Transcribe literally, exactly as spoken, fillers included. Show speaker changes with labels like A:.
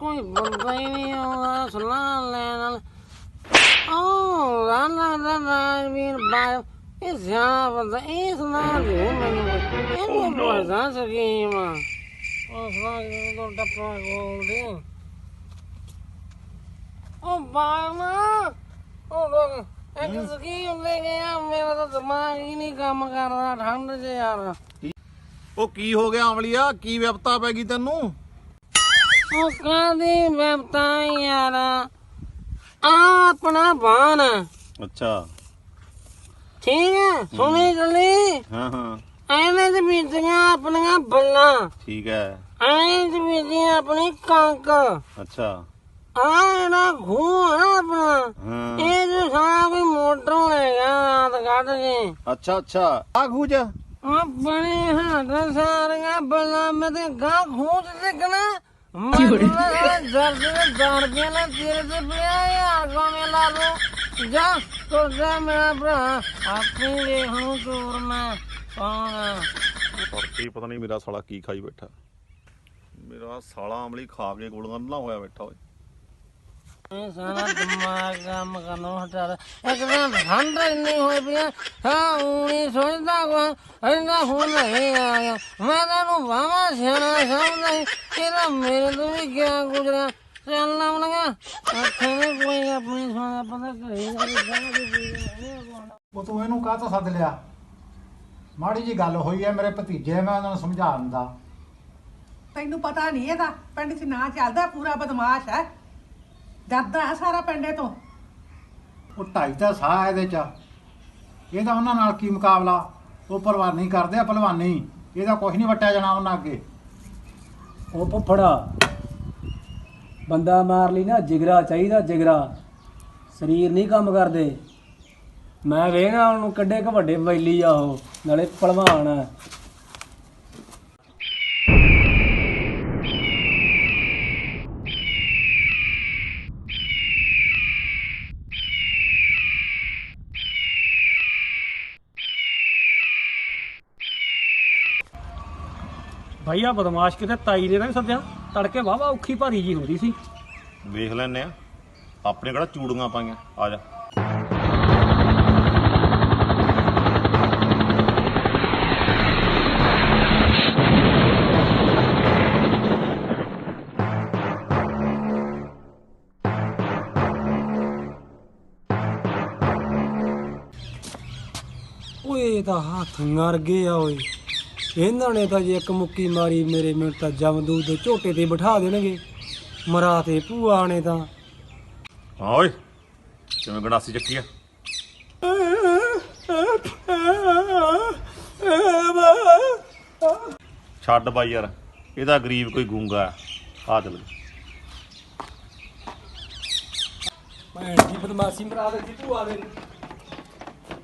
A: ਕੋਈ ਬੰਦਾ ਹੀ ਨਹੀਂ ਆਉਂਦਾ ਸਲਾਹ ਲੈਣ। ਉਹ ਰਾਣਾ ਦਾ ਰਾਜਵੀਰ ਬਾਇਓ ਇਹ ਸਿਆਣਾ ਬੰਦਾ, ਇਹ ਸਲਾਹ ਦਿਓ ਮੈਨੂੰ, ਇਹਨੂੰ ਪੁੱਛਦਾ ਸਕੀਮ। ਉਹ ਸਲਾਹ ਜਦੋਂ ਟੱਪਾ ਗੋਲਦੇ ਉਹ ਬਾਇਓ ਨਾ ਉਹ ਲੋਕ ਇੱਕ ਸਕੀਮ ਲੈ ਗਿਆ। ਮੇਰਾ ਤਾਂ ਦਿਮਾਗ ਹੀ ਨਹੀਂ ਕੰਮ ਕਰਦਾ ਠੰਡ 'ਚ ਯਾਰ।
B: ਉਹ ਕੀ ਹੋ ਗਿਆ ਅਮਲੀਆ, ਕੀ ਵਿਪਤਾ ਪੈ ਗਈ ਤੈਨੂੰ?
A: ਉਹ ਕਾਹਦੀ ਵਿਪਤਾ ਯਾਰ, ਆ ਆਪਣਾ ਬਾਣ
B: ਅੱਛਾ
A: ਠੀਕ ਹੈ, ਸੁਣੀ ਚੱਲੀ
B: ਹਾਂ ਹਾਂ
A: ਐਵੇਂ ਚ ਬੀਜੀਆਂ ਆਪਣੀਆਂ ਬੱਲਾਂ,
B: ਠੀਕ ਹੈ
A: ਐਵੇਂ ਚ ਬੀਜੀ ਆਪਣੀ ਕਣਕ।
B: ਅੱਛਾ
A: ਆ ਜਿਹੜਾ ਖੂਹ ਹੈ ਆਪਣਾ,
B: ਹਾਂ
A: ਇਹ ਜੋ ਸਾਰਾ ਕੋਈ ਮੋਟਰੋਂ ਲੈ ਗਿਆ ਰਾਤ ਕੱਢ ਕੇ।
B: ਅੱਛਾ ਅੱਛਾ ਆ ਖੂਜ
A: ਆ ਬਣੇ ਹੱਥ ਸਾਰੀਆਂ ਬੱਲਾਂ ਮੈਂ ਤੇ ਗਾਂ ਖੂਹ ਚ ਡਿੱਗਣਾ। ਮੈਂ ਜਰਦ ਦੇ ਦਾਰ ਪਿਆ ਨਾ ਤੇਰੇ ਤੇ ਪਿਆ ਯਾਰ ਗੋਵੇਂ ਲਾ ਲੋ ਜਾ ਤੁਰਦਾ ਮੇਰਾ ਭਰਾ ਆਪਣੀ ਵੇਖ ਨੂੰ ਤੋਰ ਮੈਂ ਕੌਣ।
B: ਕੀ ਪਤਾ ਨਹੀਂ ਮੇਰਾ ਸਾਲਾ ਕੀ ਖਾਈ ਬੈਠਾ, ਮੇਰਾ ਸਾਲਾ ਅਮਲੀ ਖਾ ਕੇ ਗੋਲੀਆਂ ਨਾ ਹੋਇਆ ਬੈਠਾ ਓਏ।
A: ਇਹ ਸਾਰਾ ਦਿਮਾਗ ਕੰਮ ਕਰਨੋਂ ਹਟਾ ਦੇ। ਇੱਕ ਦਿਨ ਠੰਡ ਇੰਨੀ ਹੋਈ ਪਈ ਆ, ਹਾਂ ਊਂ ਨੀ ਸੋਚਦਾ ਕੋਈ ਇੰਨਾ ਹੁਣ ਨਹੀਂ ਆ ਗਿਆ। ਮੈਂ ਤੈਨੂੰ ਵਾਹਵਾ ਸਿਆਣਾ ਸਮਝਦਾ ਸੀ, ਇਹਦਾ ਮੇਰੇ ਤੋਂ ਵੀ ਗਿਆ ਗੁਜ਼ਰਿਆ। ਚੱਲ ਨਾ ਲਗਾ ਆਖੇ ਨੇ ਕੋਈ ਆਪਣੀ ਸੋਨਾ ਪਤਾ ਘਰੇ
C: ਉਹ ਤੂੰ ਇਹਨੂੰ ਕਾਹ ਤੋਂ ਸੱਦ ਲਿਆ? ਮਾੜੀ ਜੀ ਗੱਲ ਹੋਈ ਹੈ ਮੇਰੇ ਭਤੀਜੇ, ਮੈਂ ਉਹਨਾਂ ਨੂੰ ਸਮਝਾ ਦਿੰਦਾ।
D: ਤੈਨੂੰ ਪਤਾ ਨਹੀਂ ਇਹਦਾ ਪਿੰਡ 'ਚ ਨਾਂ ਚੱਲਦਾ, ਪੂਰਾ ਬਦਮਾਸ਼ ਹੈ, ਡਰਦਾ ਹੈ ਸਾਰਾ ਪਿੰਡੇ ਤੋਂ।
C: ਉਹ ਢਾਈ ਤਾਂ ਸਾਹ ਇਹਦੇ ਚ, ਇਹਦਾ ਉਹਨਾਂ ਨਾਲ ਕੀ ਮੁਕਾਬਲਾ? ਉਹ ਭਲਵਾਨੀ ਕਰਦੇ ਆ ਭਲਵਾਨੀ, ਇਹਦਾ ਕੁਛ ਨਹੀਂ ਵਟਿਆ ਜਾਣਾ ਉਹਨਾਂ ਅੱਗੇ।
E: ਉਹ ਫੁੱਫੜਾ ਬੰਦਾ ਮਾਰ ਲਈ ਨਾ, ਜਿਗਰਾ ਚਾਹੀਦਾ, ਜਿਗਰਾ। ਸਰੀਰ ਨਹੀਂ ਕੰਮ ਕਰਦੇ। ਮੈਂ ਵੇਖਣਾ ਉਹਨੂੰ ਕੱਢੇ ਕ ਵੱਡੇ ਵੈਲੀ ਆ, ਉਹ ਨਾਲੇ ਭਲਵਾਨ ਆ। ਭਾਈ ਆ ਬਦਮਾਸ਼ ਕਿਤੇ ਤਾਈ ਨੇ ਤਾਂ ਸੱਦਿਆ, ਤੜਕੇ ਵਾਹਵਾ ਔਖੀ ਭਾਰੀ ਜੀ ਹੁੰਦੀ ਸੀ।
B: ਵੇਖ ਲੈਨੇ ਆ, ਆਪਣੇ ਕਿਹੜਾ ਚੂੜੀਆਂ ਪਾਈਆਂ, ਆ ਜਾ।
E: ਓਏ ਤਾਂ ਹੱਥ ਮਰ ਗਏ ਆ ਓਏ, ਇਹਨਾਂ ਨੇ ਤਾਂ ਜੇ ਇੱਕ ਮੁੱਕੀ ਮਾਰੀ ਮੇਰੇ ਮੈਨੂੰ ਤਾਂ ਜਮਦੂਦ ਦੇ ਝੋਟੇ ਤੇ ਬਿਠਾ ਦੇਣਗੇ। ਮਰਾ ਤੇ ਭੂਆ ਨੇ ਤਾਂ।
B: ਹਾਂ ਓਏ ਕਿਵੇਂ ਗੰਡਾਸੀ ਚੱਕੀ ਆ? ਛੱਡ ਬਾਈ ਯਾਰ, ਇਹਦਾ ਗਰੀਬ ਕੋਈ ਗੂੰਗਾ ਆ। ਚੱਲ
E: ਭੈਣ ਦੀ ਬਦਮਾਸ਼ੀ ਮਰਾ ਦਿੱਤੀ ਭੂਆ ਦੇ।